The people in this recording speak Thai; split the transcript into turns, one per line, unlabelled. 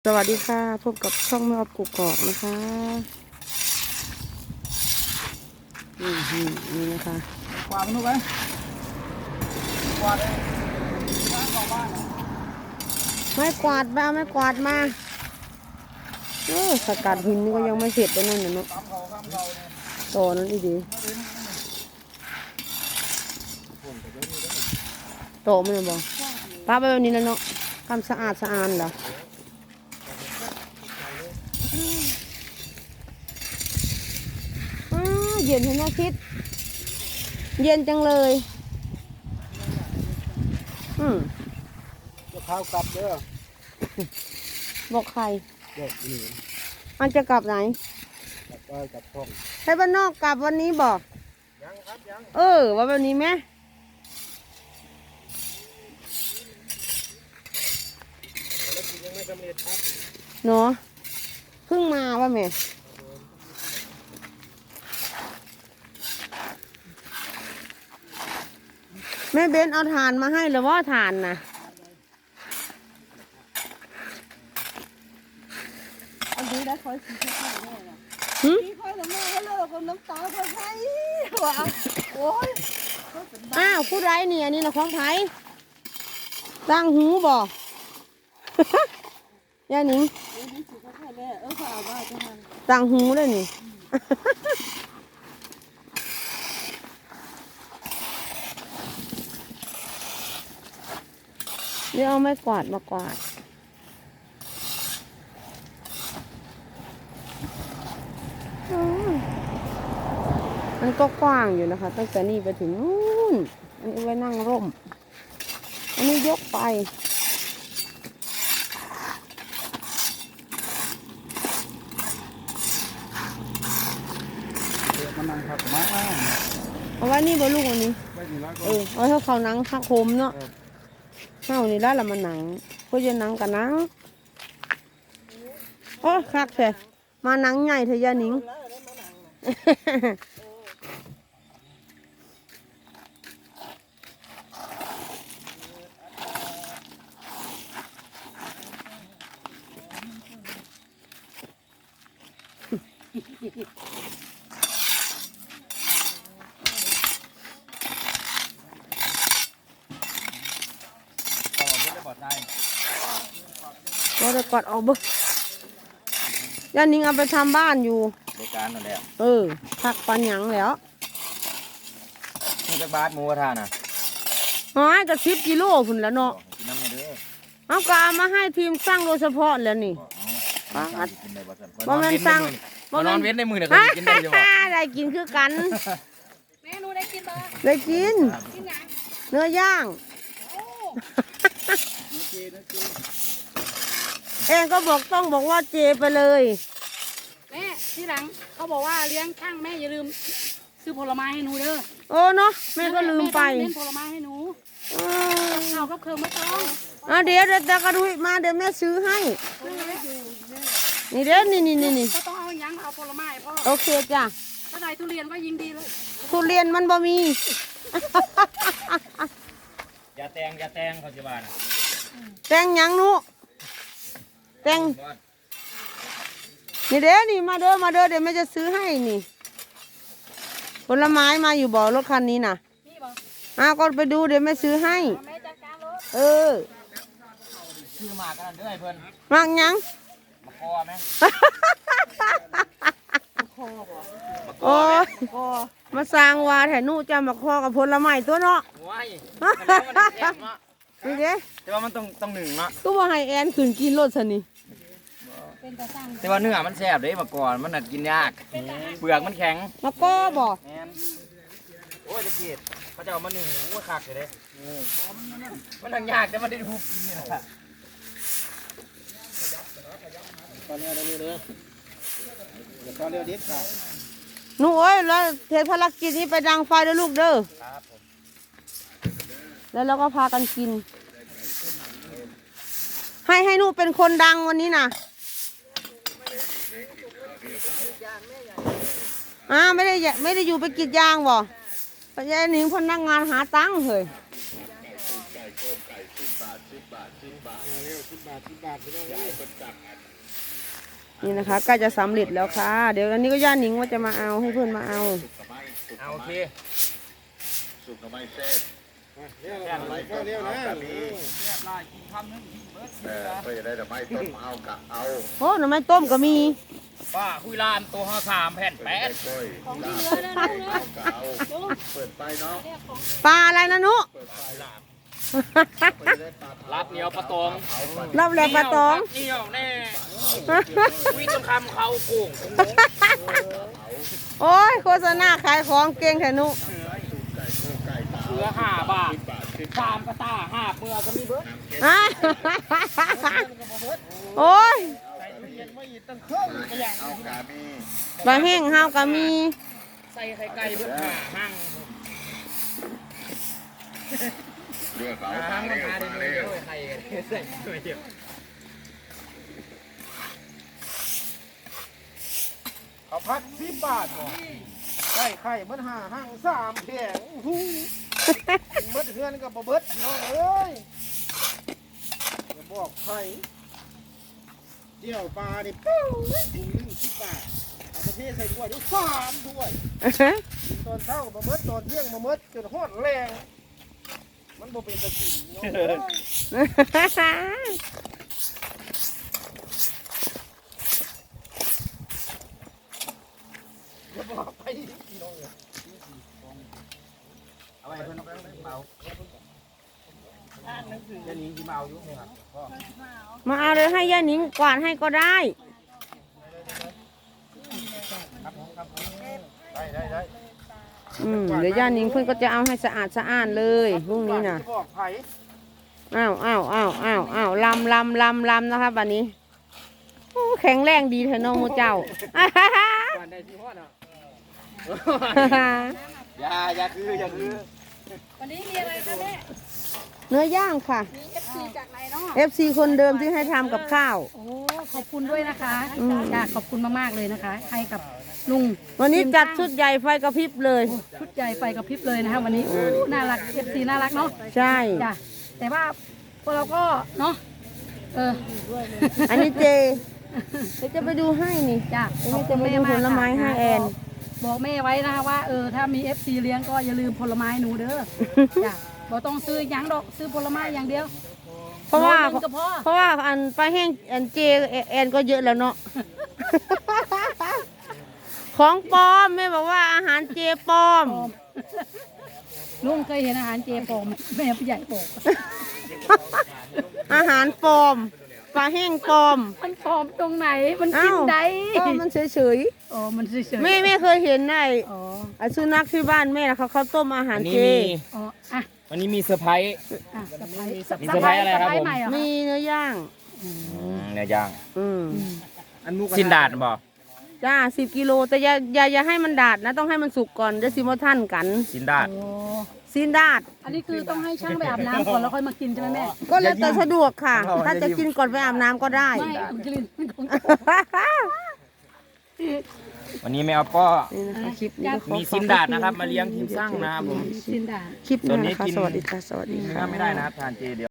สวัสดีค่ะพบกับช่องแม่ออฟกุกกอกนะคะนี่นะคะ
กวาดมันถูกไหมกวาดเลย
ไม่กวาดมาไม่กวาดมาสกัดหินนี่ก็ยังไม่เสร็จเลยนั่นเนาะต่อนั้นอีดีโตมันเลยบอกป้าไปวันนี้แล้วเนาะทำสะอาดเหรอเย็นเห็นไหมคิดเย็นจังเลย
จะข้าวกลับเด้อ
บอกใคร
เด็กนี่
มันจะกลับไหน
กลับไปกลับช่อง
ให้บ้านนอกกลับวันนี้บอก
ยังครับยัง
ว่าวันนี้ไหม
แล้วกินยังไม่สำเร็จครับ
เนาะเพิ่งมาว่าแม่แม่เบนเอาถ่านมาให้หรือว่าถ่านนะ
อันนี้ได้คอยสีค่อยๆแม่ละสีค่อยแล้วแม่ก็เลิกกับน้ำตาค่อยๆว่าโอ้ย
อ้าวผู้ไรเนี่ยนี่นะของไผ่ตั้งหูบ่ย่าหนิง
สีค่อยๆแม่ฝ่าบ้าจังมัน
ตั้งหูเลยนี่เดี๋ยวเอาไม้กวาดมากวาดมันก็กว้างอยู่นะคะตั้งแต่นี่ไปถึงนู่นอันนี้ไว้นั่งร่มอันนี้ยกไป
มันนั่งพักมาก
เอาไว้นี่บนลูกวันนี้
ไม่ดีแล้วก็
เอาเท่าเขาหนังคักโคมเนาะเข้านี่แล้วละมันหนังเพื่อจะหนังกับหนังโอ้คักแท้มาหนังใหญ่เถอะยาหนิงก็จะกอดออกบึกยานิงเอาไปทำบ้านอยู่
ในการนั่นแหละ
พักปันหยังแล้ว
นี่จะบาสหมูกระทะน่ะ
จะ10 กิโลพุ่นแล้วเนาะ
กินน้ำเด้อ
เอาก็เอามาให้ทีมสร้างโดยเฉพาะแล้วนี่บ่แม่นสร้าง
บ่นอนเว้นในมือเนี่ยกินได้ยัง
ได้กินคือกัน
แม่หนูได้กินบ่
ได้กินเนื้อย่างเองก็ต้องบอกว่าเจไปเลย
แม่ที่หลังเขาบอกว่าเลี้ยงช่างแม่อย่าลืมซื้อผลไม้ให้หนูเด้อ
เนาะแม่ก็ลืมไป
เล่นผลไม้ให้หนูเอากับเครื่องไม่ต้อง
เดี๋ยวกระดุยมาเดี๋ยวแม่ซื้อให้นี่เด้อนี่
ก็ต้องเอายังเอาผลไม้พ่อ
โอเคจ้ะ
ถ้าได้ทุเรียนก็ยิงดีเลย
ทุเรียนมันบ่มี
อย่าแตงเขาจะบาน
แตงยังนุแตงนี่เด้อนี่มาเด้อเดี๋ยวแม่จะซื้อให้นี่ผลไม้มาอยู่บ่รถคันนี้น่ะก็ไปดูเดี๋ยวแม่ซื้อให้
ซื้อหมากกันด้วยเพื่อน
มากยัง
มาคอไหม
โอ้ยมาสร้างวาแถนูจะมาคอกับผลไม้ตัวเนาะนี่เด้
แต่ว่ามันต้องหนึ่งเนาะ
ก็ว่าให้แอนขืนกินรสสินี่
แต่ว่าเนื้อมันแซ่บเลยมาก่อนมันน่ะกินยากเปลือกมันแข็ง
มาก็บอก
โอ้ยจะเกลียดเขาจะเอามาหนึ่งโอ้ยขาดเลยมันทางยากแต่มันได้ทุบนี่นะตอนนี้เราดูเลยเดี๋ยวตอนเรียวดิบค่ะ
หนูแล้วเทภารกิจนี้ไปดังไฟด้วยลูกเด้อแล้วเราก็พากันกินให้หนูเป็นคนดังวันนี้นะไม่ได้อยู่ไปกรีดยางบ่ไปยายหนิงพนักงานหาตังค์เฮ้ยนี่นะคะใกล้จะสำเร็จแล้วค่ะ เดี๋ยวอันนี้ก็ย่าหนิงว่าจะมาเอาให้เพื่อนมาเอา
เอาโอเค
สุกทำไมเซ่บ
เรียบร้อย
เรียบร้อยกับมี
กินคำนึงเบิร์ด
เพื่อจะได้แต่ไม่ต้มเอากะเอา
โอ้หน่อไม้ต้มก็มี
ป้าคุยลานตัวห่อ3 แผ่น
กล้วย
ของที่เหลือนะ
เอากะเอาเปิดไปเนาะ
ปลาอะไรนะนุ
เปิดไป
ลาบ
เพื่อจะได้ปลา
รับเหนียวปลาตอง
เอาไป
รับแลปลาตอง
เหนียวแน่วิ่งจนคำเขาโก่ง
โอ้ยโฆษณาขายของเก่งแทนุ
ไก่โคไก่ตา
เสือ5 บาท
บาทขึ้น
3 กระตา5 เมื่อก็มีเบิร์ด
อ่ะโอ้ย
เอากะมี
ปลาแห้งห้าวก็มี
ใส่ไข่ไก่เบิร์ดหั่ง
เลือกเอา
หั่ง
มา
มัน
เร็ว
หา
มา
ได้
เร็ว
ด้วยไข่ใส่ด้วยเดียว
เขาพัด10 บาทบ่ไข่มัน5 หั่ง3แผงหูเบิดเฮือนกับบ่เบิดน้องเอ้ยอย่าบอกไข่เจียวปลานี่ปู้ถุงนึง10 บาทเอาประเภทใส่ถ้วยด้วย3ถ้วยกินตอนเช้าก็บ่เบิดตอนเที่ยงบ่เบิดจนฮอดแรงมันบ่เป็นตะกินน้องเอ้ยอย่าบอกไปพี่น้องเอ้ย
เอาไว้เพิ่นเมาจะหนีที่เมาอยู่เนี่ยครับ
มาเอาเลยให้ย่าหนิงกวาดให้ก็ได้
ได้
เดี๋ยวย่าหนิงเพื่อนก็จะเอาให้สะอาดสะอ้านเลยพรุ่งนี้น่ะ
บอกไผ่
อ้าวลำนะคะบัดนี้โอ้แข็งแรงดีเถอะน้องโมเจ้า
วันได้ที่ฮอดอ่ะอย่าคือ
วันนี้มีอะไรคะแม่
เนื้อย่างค่ะ
มี FC จากไหนเนาะ
FC คนเดิมที่ให้ทำกับข้าว
โอ้ขอบคุณด้วยนะคะ
อืม
จ้าขอบคุณมากๆเลยนะคะ ให้กับลุง
วันนี้จัดชุดใหญ่ไฟกระพริบเลย
ชุดใหญ่ไฟกระพริบเลยนะคะวันนี้โอ้น่ารัก FC น่ารักเนาะ
ใช่
จ้ะแต่ว่าพวกเราก็เนาะ
อันนี้เจเดี๋ยวจะไปดูให้นี่
จ้ะ
เดี๋ยวจะไปดูผลไม้ให้แอน
บอกแม่ไว้นะคะว่าถ้ามี FC เลี้ยงก็อย่าลืมผลไม้หนูเด้อจ้ะบ่ต้องซื้อหยังดอกซื้อผลไม้อย่างเดียว
เพราะว่า
โลนึงก็พอ
เพราะว่าอันปลาแห้งอันเจแอนก็เยอะแล้วเนาะ ของปลอมแม่บอกว่าอาหารเจปลอม
ปลอมลุงเคยเห็นอาหารเจปลอมไหมแม่ผู้ใหญ่บอก
อาหารปลอมปลาแห้งปลอม
มันปลอมตรงไหนมันกิ
อ้าน ว
ได้
ก็มันเฉย
อ๋อมันเฉย
ๆแม่เคยเห็นไอ้
อ๋อ
สุนัขที่บ้านแม่นะเขาต้มอาหารเจ
อ๋ออ่ะ
วันนี้มีเซอร์ไพรส์
อ่ะสะพาย
มีเซอร์ไพรส์อะไรครับผม
ใหม่เหรอ
มีเนื้อย่าง
เนื้อย่าง
อืม
สินดาดบอก
จ้า10 กิโลแต่อย่าให้มันดาดนะ ต้องให้มันสุกก่อนจะสิมาท่านกัน
สินดาด
โอ้
ซีนดาด
อันนี้คือต้องให้ช่างไปอาบน้ำก่อนแล้วค่อยมากินใช่ไหมแม่
ก็แล้วแต่สะดวกค่ะ ถ้าจะกินก่อนไปอาบน้ำก็ได้
ไม่มันกินของ
วันนี้ไม่เอาป้อ
นี่นะคะคลิปนี้ก็ขอ
มีซินดาดนะครับมาเลี้ยงทีมสร้างนะครับผม
กินด่า
คลิปห
ส่ว
น้าน
นี้
นะคะ
กิน
สวัสดีค่ะ สวัสดี
เนื้
ค่ะ
อไม่ได้นะครับทานเจเดียว